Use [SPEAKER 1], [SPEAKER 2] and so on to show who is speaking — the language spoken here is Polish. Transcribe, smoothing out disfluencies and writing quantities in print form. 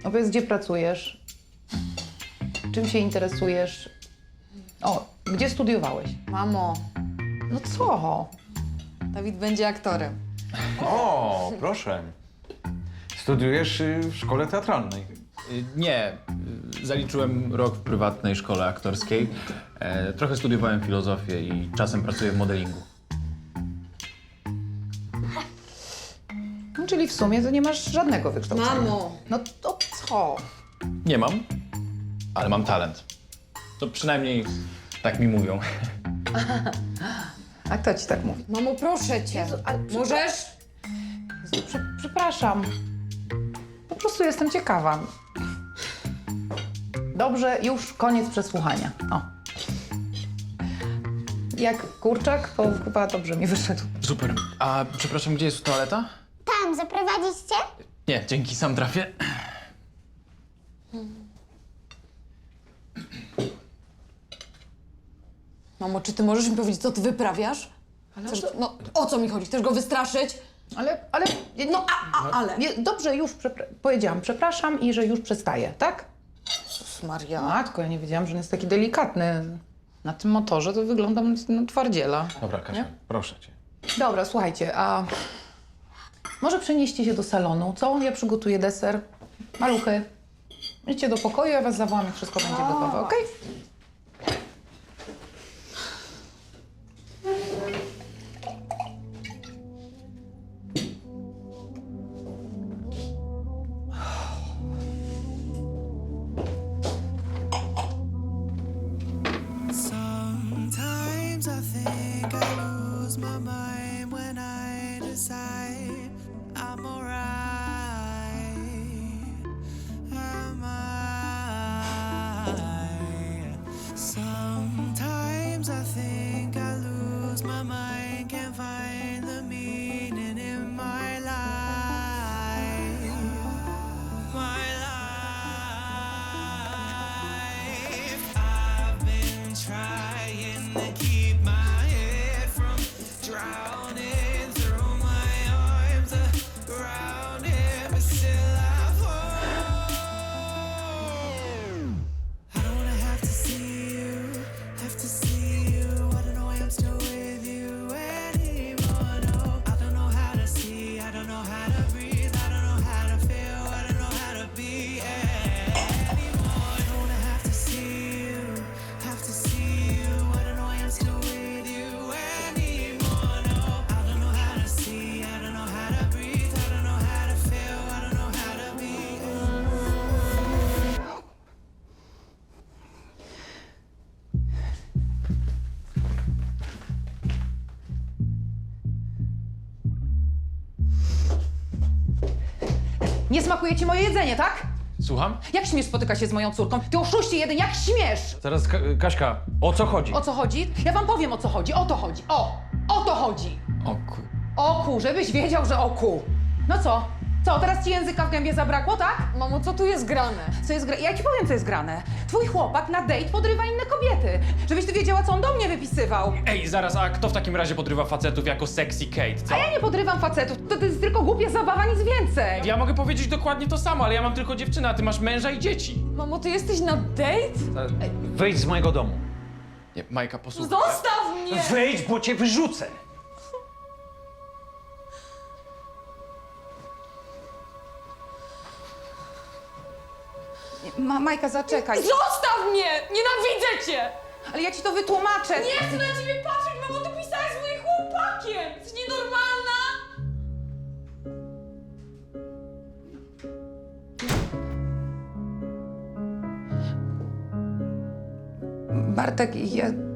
[SPEAKER 1] Opowiedz, gdzie pracujesz? Czym się interesujesz? O, gdzie studiowałeś?
[SPEAKER 2] Mamo,
[SPEAKER 1] No co?
[SPEAKER 2] Dawid będzie aktorem.
[SPEAKER 3] O, proszę. Studiujesz w szkole teatralnej.
[SPEAKER 4] Nie, zaliczyłem rok w prywatnej szkole aktorskiej. Trochę studiowałem filozofię i czasem pracuję w modelingu.
[SPEAKER 1] No, czyli w sumie to nie masz żadnego wykształcenia.
[SPEAKER 2] Mamo!
[SPEAKER 1] No to co?
[SPEAKER 4] Nie mam, ale mam talent. To przynajmniej tak mi mówią.
[SPEAKER 1] A kto ci tak mówi?
[SPEAKER 2] Mamo, proszę cię.
[SPEAKER 1] Jezu, ale
[SPEAKER 2] Możesz?
[SPEAKER 1] Jezu, przepraszam. Po prostu jestem ciekawa. Dobrze, już koniec przesłuchania. O. Jak kurczak, to chyba dobrze mi wyszedł.
[SPEAKER 4] Super. A przepraszam, gdzie jest toaleta?
[SPEAKER 5] Tam, zaprowadzić cię?
[SPEAKER 4] Nie, dzięki, sam trafię.
[SPEAKER 2] Mamo, czy ty możesz mi powiedzieć, co ty wyprawiasz? Chcesz, no, o co mi chodzi? Chcesz go wystraszyć?
[SPEAKER 1] Ale...
[SPEAKER 2] No, ale...
[SPEAKER 1] Nie, dobrze, już powiedziałam przepraszam i że już przestaję, tak?
[SPEAKER 2] Jezus Maria.
[SPEAKER 1] Matko, ja nie wiedziałam, że on jest taki delikatny. Na tym motorze to wyglądam na twardziela.
[SPEAKER 4] Dobra, Kasia,
[SPEAKER 1] Nie?
[SPEAKER 4] proszę cię.
[SPEAKER 1] Dobra, słuchajcie, a może przenieście się do salonu, co? Ja przygotuję deser. Maluchy, idźcie do pokoju, ja was zawołam, jak wszystko będzie gotowe, okej?
[SPEAKER 6] Sometimes I think I lose my mind when I decide I'm alright. Am I? Sometimes I think I lose my mind, can't find the meaning in my life. My life. I've been trying to keep my head from drowning through my arms around him, but still I fall. I don't wanna have to see you, have to see you. I don't know why I'm still with you anymore. No, I don't know how to see, I don't know how to breathe, I don't know how to feel, I don't know how to be anymore. I don't wanna have to see you, have to see you. I don't know why I'm still with you anymore. No, I don't know how to see, I don't know how to breathe, I don't know how to feel, I don't know how to be.
[SPEAKER 1] Nie smakuje ci moje jedzenie, tak?
[SPEAKER 4] Słucham?
[SPEAKER 1] Jak śmiesz spotykać się z moją córką? Ty oszuście jeden, jak śmiesz?
[SPEAKER 3] Zaraz, Kaśka, o co chodzi?
[SPEAKER 1] O co chodzi? Ja wam powiem, o co chodzi. O to chodzi. O to chodzi.
[SPEAKER 4] Oku.
[SPEAKER 1] Oku, żebyś wiedział, że oku. No co? Co, teraz ci języka w gębie zabrakło, tak?
[SPEAKER 2] Mamo, co tu jest grane?
[SPEAKER 1] Co jest grane? Ja ci powiem, co jest grane. Twój chłopak na date podrywa inne kobiety. Żebyś ty wiedziała, co on do mnie wypisywał.
[SPEAKER 4] Ej, zaraz, a kto w takim razie podrywa facetów jako sexy Kate, co?
[SPEAKER 1] A ja nie podrywam facetów. To jest tylko głupia zabawa, nic więcej.
[SPEAKER 4] Ja mogę powiedzieć dokładnie to samo, ale ja mam tylko dziewczynę, a ty masz męża i dzieci.
[SPEAKER 2] Mamo, ty jesteś na date?
[SPEAKER 3] Wyjdź z mojego domu.
[SPEAKER 4] Nie, Majka, posłuchaj.
[SPEAKER 2] Zostaw mnie!
[SPEAKER 3] Wyjdź, bo cię wyrzucę.
[SPEAKER 1] Majka, zaczekaj.
[SPEAKER 2] Zostaw mnie! Nienawidzę cię!
[SPEAKER 1] Ale ja ci to wytłumaczę.
[SPEAKER 2] Nie chcę na ciebie patrzeć, mamo, ty pisałaś z moim chłopakiem! Jesteś nienormalna!
[SPEAKER 1] Bartek, ja